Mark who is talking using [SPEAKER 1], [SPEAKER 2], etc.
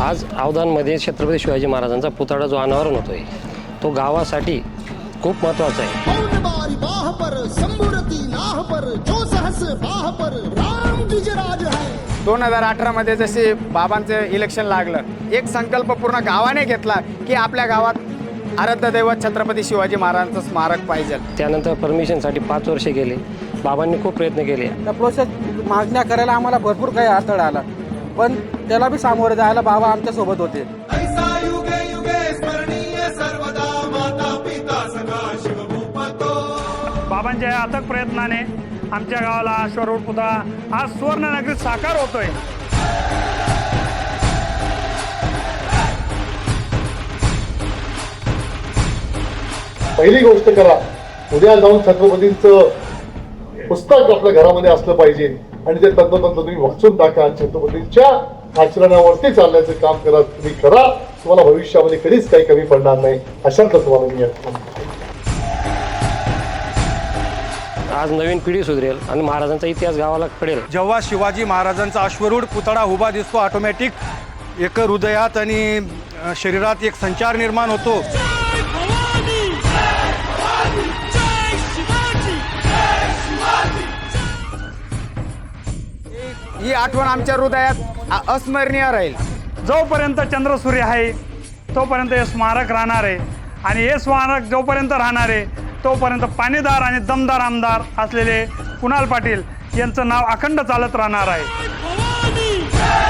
[SPEAKER 1] आज अवधानमध्ये छत्रपती शिवाजी महाराजांचा पुतळा जो अनावरण होतोय तो गावासाठी खूप महत्त्वाचा आहे।
[SPEAKER 2] 2018 मध्ये जसे बाबांचं इलेक्शन लागलं, एक संकल्प पूर्ण गावाने घेतला की आपल्या गावात आराध्य दैवत छत्रपती शिवाजी महाराजांचं स्मारक पाहिजे।
[SPEAKER 1] त्यानंतर परमिशनसाठी 5 वर्षे गेले, बाबांनी खूप प्रयत्न केले।
[SPEAKER 3] त्या प्रोसेस मागण्या करायला आम्हाला भरपूर काही अडथळा आला, पण त्याला बी सामोरे जायला बाबा आमच्या सोबत होते।
[SPEAKER 4] बाबांच्या अथक प्रयत्नाने आमच्या गावाला अश्वरूढ पुतळा आज सुवर्णनगरीत साकार होतोय।
[SPEAKER 5] पहिली गोष्ट करा, उद्या जाऊन छत्रपतींचं पुस्तक आपल्या घरामध्ये असलं पाहिजे आणि ते तंतोतंत तुम्ही वाचून टाका। छत्रपतींच्या आचरणावरती चालण्याचं काम करा, तुम्ही करा, तुम्हाला भविष्यामध्ये कधीच काही कमी पडणार नाही। अशाच तुम्हाला मी
[SPEAKER 1] आज नवीन पिढी सुधरेल आणि महाराजांचा इतिहास गावाला कळेल।
[SPEAKER 6] जेव्हा शिवाजी महाराजांचा अश्वरूढ पुतळा उभा दिसतो, ऑटोमॅटिक एक हृदयात आणि शरीरात एक संचार निर्माण होतो।
[SPEAKER 2] ही आठवण आमच्या हृदयात अस्मरणीय राहील।
[SPEAKER 4] जोपर्यंत चंद्र सूर्य आहे तोपर्यंत हे स्मारक राहणार आहे आणि हे स्मारक जोपर्यंत राहणार आहे तोपर्यंत पाणीदार आणि दमदार आमदार असलेले कुणाल पाटील यांचं नाव अखंड चालत राहणार आहे।